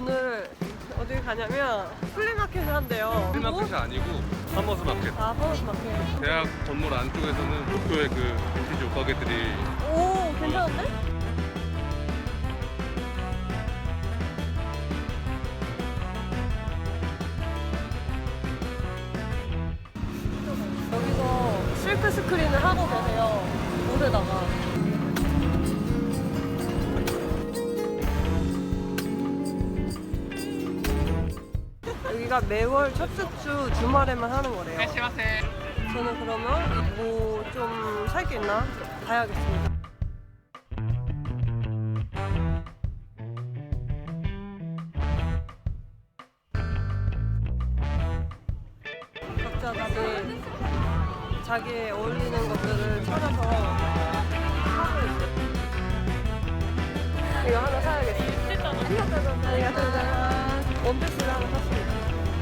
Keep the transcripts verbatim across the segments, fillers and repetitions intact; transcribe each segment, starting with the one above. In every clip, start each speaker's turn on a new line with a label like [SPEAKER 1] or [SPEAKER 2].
[SPEAKER 1] 오늘 어디 가냐면 플리마켓을 한대요.
[SPEAKER 2] 플리마켓이 아니고 파머스 마켓.
[SPEAKER 1] 아, 파머스 마켓.
[SPEAKER 2] 대학 건물 안쪽에서는 도쿄의 그 빈티지 옷가게들이.
[SPEAKER 1] 오, 괜찮은데? 여기서 실크 스크린을 하고 계세요. 옷에다가. 여기가 매월 첫 주 주말에만 하는 거래요. 저는 그러면 뭐 좀 살 게 있나 봐야겠습니다. 각자 다들 자기에 어울리는 것들을 찾아서 하고 있어요. 이거 하나 사야겠어요. 안녕하세요. 원피스를 하나 샀습니다.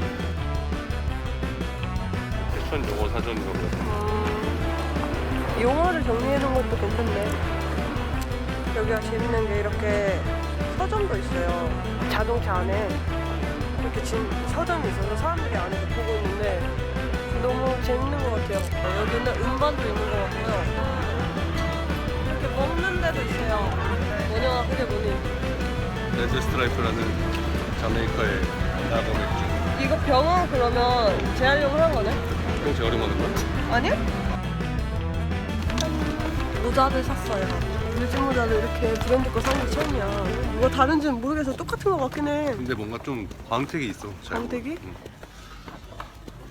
[SPEAKER 2] 패션 용어 사전인가 보다.
[SPEAKER 1] 음, 용어를 정리해놓은 것도 괜찮네. 여기가 재밌는 게 이렇게 서점도 있어요. 자동차 안에 이렇게 진 서점이 있어서 사람들이 안에서 보고 있는데 너무 재밌는 것 같아요. 여기는 음반도 있는 것 같고요. 이렇게 먹는 데도 있어요. 뭐냐, 그게 뭐니?
[SPEAKER 2] 레드 스트라이프라는 자메이카의 라거 맥주.
[SPEAKER 1] 이거 병원 그러면 재활용을 한 거네?
[SPEAKER 2] 그럼 재활용하는 거야?
[SPEAKER 1] 아니요? 모자를 샀어요. 물질 모자를 이렇게 브랜드 거 사는 게 처음이야. 뭐가 다른지는 모르겠어. 똑같은 거 같긴 해.
[SPEAKER 2] 근데 뭔가 좀 광택이 있어. 잘
[SPEAKER 1] 광택이?
[SPEAKER 2] 보면. 응.